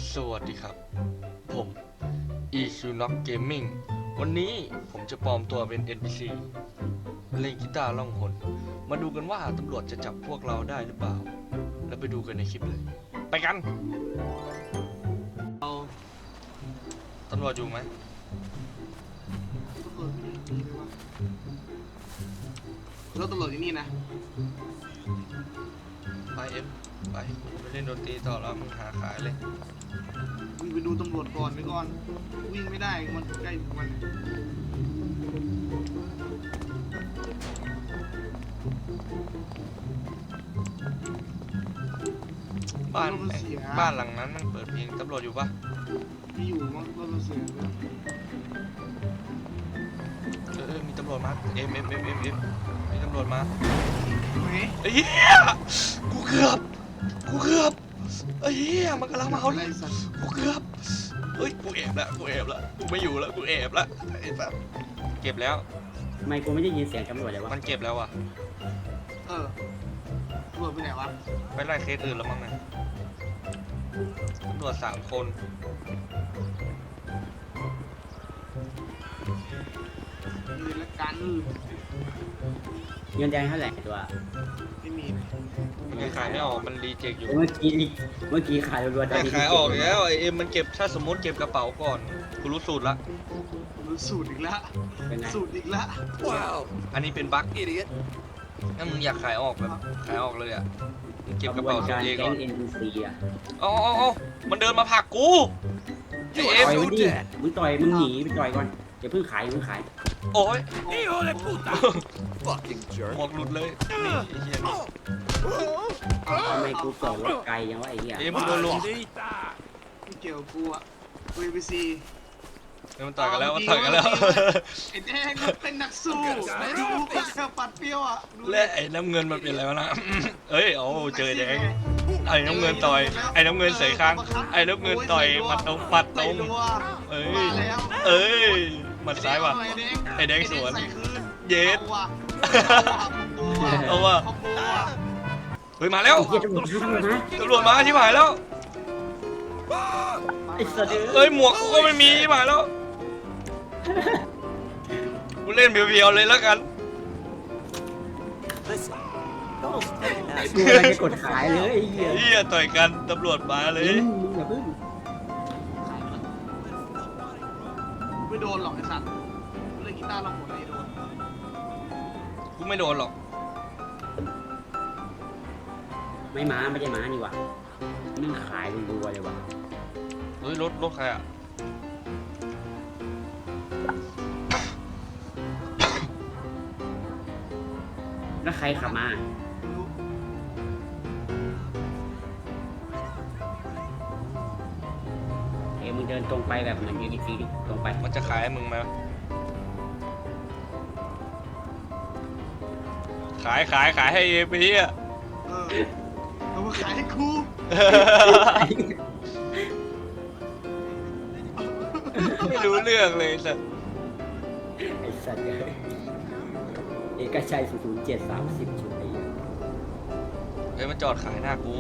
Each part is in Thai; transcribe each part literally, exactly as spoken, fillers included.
สวัสดีครับผม อี คิว น็อก Gaming วันนี้ผมจะปลอมตัวเป็น เอ็น พี ซี เล่นกีตาร์ล่องหนมาดูกันว่าตำรวจจะจับพวกเราได้หรือเปล่าแล้วไปดูกันในคลิปเลยไปกันเราตำรวจอยู่ไหมรถตำรวจที่นี่นะไปเอ็มไปไปเล่นดนตรีต่อแล้วมึงหาขายเลยวิ่งไปดูตำรวจก่อนไปก่อนวิ่งไม่ได้มันใกล้ถึงมันบ้านบ้านหลังนั้นมันเปิดเพลงตำรวจอยู่ปะมีอยู่มั้งรถมันเสียเลยเออมีตำรวจมาเอ็มเอ็มเอ็มเอ็มเอ็มมีตำรวจมาไอ้เหี้ยกูเกือบกูเกือบไอ้เหี้ยมันกำลังมาเอาเลยกูเกือบเฮ้ยกูแอบแล้วกูแอบแล้วกูไม่อยู่แล้วกูแอบแล้วไอ้สัสเก็บแล้วทำไมกูไม่ได้ยินเสียงตำรวจเลยวะมันเก็บแล้วอ่ะเออตำรวจไปไหนวะไปไล่เคสอื่นแล้วมั้งนะตำรวจสามคนยืนละกันเงินแดงเท่าไหร่ตัวไม่มีมันขายไม่ออกมันรีเจ็คอยู่เมื่อกี้เมื่อกี้ขายรัวๆแต่ขายออกแล้วไอเอ็มมันเก็บถ้าสมมติเก็บกระเป๋าก่อนกูรู้สูตรละรู้สูตรอีกละสูตรอีกละว้าวอันนี้เป็นบั๊กอีเดียถ้ามึงอยากขายออกแบบขายออกเลยอ่ะเก็บกระเป๋าตัวเองก่อนอ๋ออ๋อมันเดินมาผลักกูไอเอ็มมึงต่อยมึงหนีไปต่อยก่อนอย่าเพิ่งขายอย่าเพิ่งขายโอ้ยหมวกหลุดเลยนี่ไอ้เหี้ยทำไมกูจอดรถไกลยังวะไอ้เหี้ยเอ็มโดนลุมไม่เกี่ยวกูอ่ะกู เอ พี ซีมันต่อยกันแล้วมันต่อยกันแล้วไอ้แดงมันเป็นนักสู้ดูปัดปัดเปรี้ยวอ่ะและไอ้น้ำเงินมันเป็นอะไรวะนะเอ้ยโอ้เจอแดงไอ้น้ำเงินต่อยไอ้น้ำเงินใส่ข้างไอ้น้ำเงินต่อยมัดตรงมัดตรงเอ้ยเอ้ยมัดซ้ายว่ะไอ้แดงสวนเย็ดเอาว่ะเฮ้ยมาแล้วตำรวจมาชิบหายแล้วเอ้ยหมวกกูก็ไม่มีชิบหายแล้วกูเล่นเบียวๆเลยแล้วกันกูอะไรจะกดขายเลยไอ้เหี้ยเหี้ยต่อยกันตำรวจมาเลยอย่าเพิ่งไม่โดนหรอกไอ้สัตว์เล่นกีตาร์เราหมดเลยโดนกูไม่โดนหรอกไม่ม้าไม่ใช่ม้านี่วะนี่ขายรัวๆเลยวะเฮ้ยรถรถใครอ่ะแล้วใครขับมาเอ้มึงเดินตรงไปแบบเหมือนยูนิซีตรงไปมันจะขายให้มึงไหมขายขายขายให้เอไปที่อ่ะเออเอามาขายให้กูไม่รู้เรื่องเลยสัตว์ไอ้สัตว์เอกชัยศูนย์เจ็ดสามสิบชุดไอ้เฮ้ยมันจอดขายหน้ากู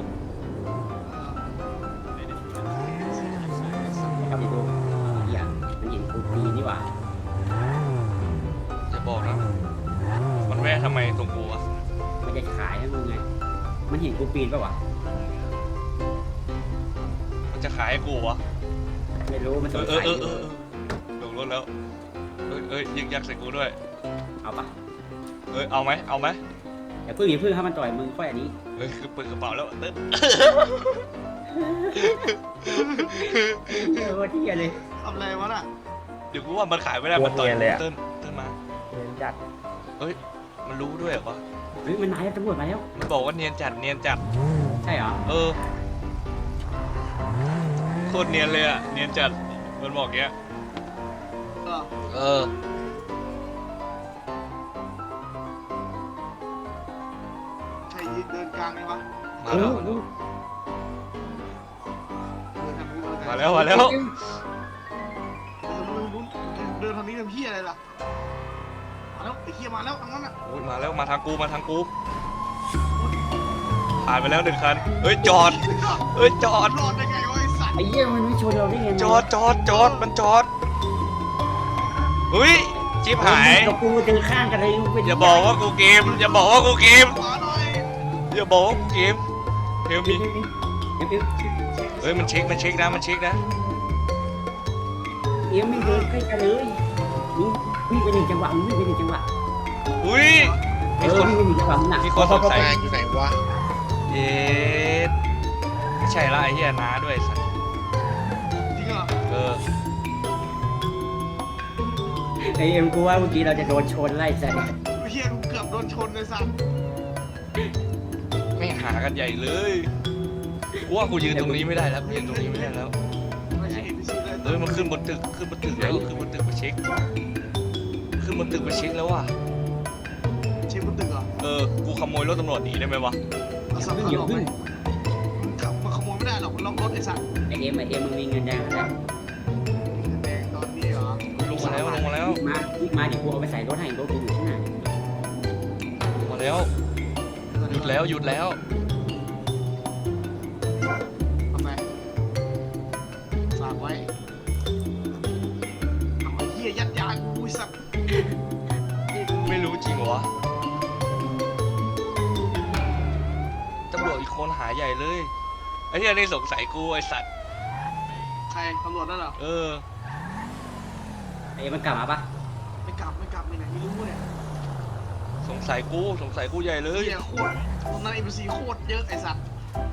ครับพี่ดูอย่างมันเห็นกูปีนี่หว่าจะบอกนะมันแวะทำไมตรงกูวะมันจะขายให้มึงไงมันเห็นกูปีนป่ะวะมันจะขายให้กูวะไม่รู้มันสงสัยเออเออลงรถแล้วเอ้ยเอ้ยยิงยักใส่กูด้วยเอาปะเอ้ยเอาไหมเอาไหมอย่าพึ่งอย่าพึ่งถ้ามันต่อยมึงค่อยอันนี้เฮ้ยคือเปิดกระเป๋าแล้วเต้นเออที่อะไรทำอะไรวะน่ะเดี๋ยวกูว่ามันขายไม่ได้มันต่อยเต้นเต้นมาเนียนจัดเฮ้ยมันรู้ด้วยเหรอวะเฮ้ยมันนายตำรวจมาแล้วมันบอกว่าเนียนจัดเนียนจัดใช่เหรอเออโคตรเนียนเลยอะเนียนจัดมันบอกเงี้ยเออใช่ยืนเดินกลางไหมวะมาแล้วมาแล้วมาแล้วเดินทางนี้เป็นพี่อะไรล่ะมาแล้วไอ้เหี้ยมาแล้วทางนั้นอ่ะโอ้ยมาแล้วมาทางกูมาทางกูผ่านไปแล้วหนึ่งคันเฮ้ยจอดเฮ้ยจอดรอดได้ไงวะไอ้สัสัตว์ไอ้เหี้ยมันไม่ชนเราได้ไงจอดจอดจอดมันจอดอุ้ยชิบหายกับกูเดินข้างกันเลยเป็นอย่าบอกว่ากูเกมอย่าบอกว่ากูเกมขอหน่อยอย่าบอกว่ากูเกมเฮลเดี๋มียวเดี๋ยวเดี๋ยวเฮ้ยมันเช็คมันเช็คนะมันเช็คนะเอ็มไม่เดินใกล้กันเลยวิ่งวิ่งไปหนึ่งจังหวะวิ่งไปหนึ่งจังหวะอุ้ยเอมีอคนวิ่งไปหนึ่งจังหวะหนักมีคนสงสัยแม่งอยู่ไหนวะเย็ดไม่ใช่ละไอ้เหี้ยน้าด้วยสัสจริงเหรอเออไอเอ็มกูว่าเมื่อกี้เราจะโดนชนไล่ใส่เฮียกูเกือบโดนชนเลยสัตว์ไม่หากันใหญ่เลยกูว่ากูยืนตรงนี้ไม่ได้แล้วกูยืนตรงนี้ไม่ได้แล้วไม่ใช่เอ็นพีซีเลยเฮ้ยมันขึ้นบนตึกขึ้นบนตึกแล้วขึ้นบนตึกมาเช็คขึ้นบนตึกมาเช็คแล้วว่ะเช็คบนตึกเหรอเออกูขโมยรถตำรวจหนีได้ไหมวะเอาสัตว์อย่าขับพึ่งขับมาขโมยไม่ได้หรอกมันล็อกรถไอ้สัตว์ไอเอ็มไอเอ็มมึงมีเงินแดงแล้วแดงตอนนี้เหรอลงมาแล้วลงมาแล้วมาวิ่งมาเดี๋ยวกูเอาไปใส่รถให้รถกูอยู่ข้างหน้าลงมาแล้วหยุดแล้วหยุดแล้วทำไมฝากไว้เอาไอ้เฮียยัดยากูไอ้สัตว์ไม่รู้จริงเหรอวะตำรวจอีกคนหาใหญ่เลยไอ้เหี้ยนี่สงสัยกูไอ้สัตว์ใครตำรวจนั่นเหรอเออไอเอ็มมันกลับมาปะไม่กลับไม่กลับไปไหนไม่รู้เนี่ยสงสัยกูสงสัยกูใหญ่เลยเฮียโคตรตรงนั้นเอ็นพีซีโคตรเยอะไอ้สัตว์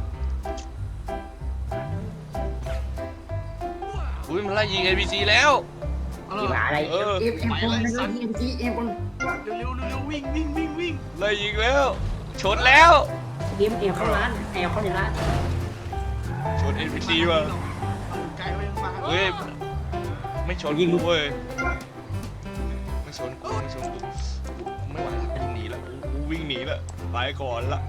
อุ้ยมันไล่ยิง เอ พี ซี แล้วเอาที่เลหายอะไรเออเอ็มเอ็มคนไม่รู้ที่เอ็มจีเอ็มคนเร็วๆเร็วๆวิ่งวิ่งวิ่งวิ่งไล่ยิงแล้ว ชนแล้วเอ็มเอ็มเข้าร้านแอลเข้าในร้านชน เอ พี ซี ว่ะเอาไกลไปยังมาเฮ้ยไม่ชนกูเว้ยไม่ชนกูไม่ชนกูกูไม่ไหวแล้วกูหนีแล้วกูกูวิ่งหนีแล้วไปก่อนละ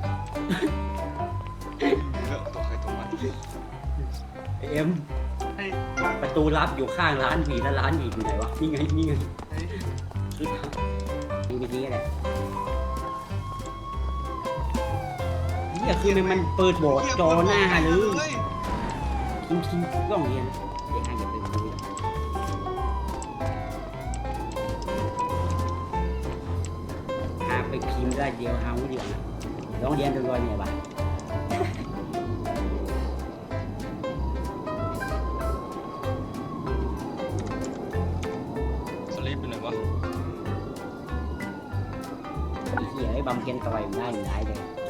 หนีแล้วตัวใครตัวมันไอเอ็มเฮ้ยประตูลับอยู่ข้างร้านผีแล้วร้านผีอยู่ไหนวะนี่ไงนี่ไงเฮ้ยดูดีๆก็ได้นี่คือมันมันเปิดโบสถ์จอหน้าเลยคิงคิงกล้องเรียนเด็กให้อย่าไปดูหาไปพิมพ์ได้เดียวเอาเดียวนะร้องเรียนโดยเนี่ยบ้าสลิปเป็นไหนวะไอ้เหี้ยไอ้บำเพ็ญต่อยมันได้อยู่ไหนเลย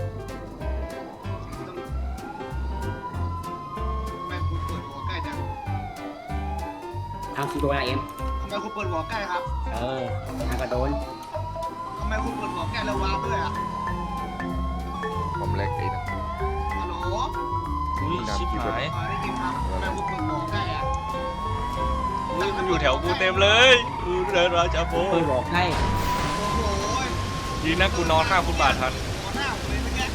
แม่คุณเปิดหัวใกล้จังเอาสิโดนอะไรเอ็มทำไมคุณเปิดหัวใกล้ครับเออทางกระโดนทำไมคุณเปิดหัวใกล้แล้ววาร์ปด้วยอ่ะผมเล็กไอ้นะฮัลโหลอุ้ยชิบหายอ๋อได้ยินครับทำไมคุณเปิดหัวใกล้อ่ะอุ้ยมันอยู่แถวกูเต็มเลยกูเดินราชาโพเคยบอกให้โอ้โหดีนะกูนอนข้างฟุตบาททันหัวหน้าผมเลยเมื่อกี้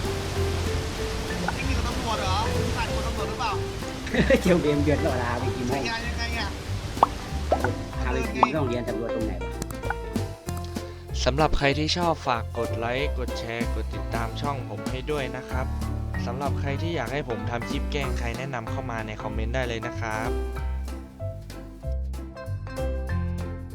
นี่คือตำรวจเหรอใส่คนตำรวจหรือเปล่าเจียวเบียมเดือดต่อลาไปกินยัให้งไงยังไงอ่ะพาไปกินต้องเรียนตำรวจตรงไหนวะสำหรับใครที่ชอบฝากกดไลค์กดแชร์กดติดตามช่องผมให้ด้วยนะครับสำหรับใครที่อยากให้ผมทำคลิปแกล้งใครแนะนำเข้ามาในคอมเมนต์ได้เลยนะครับ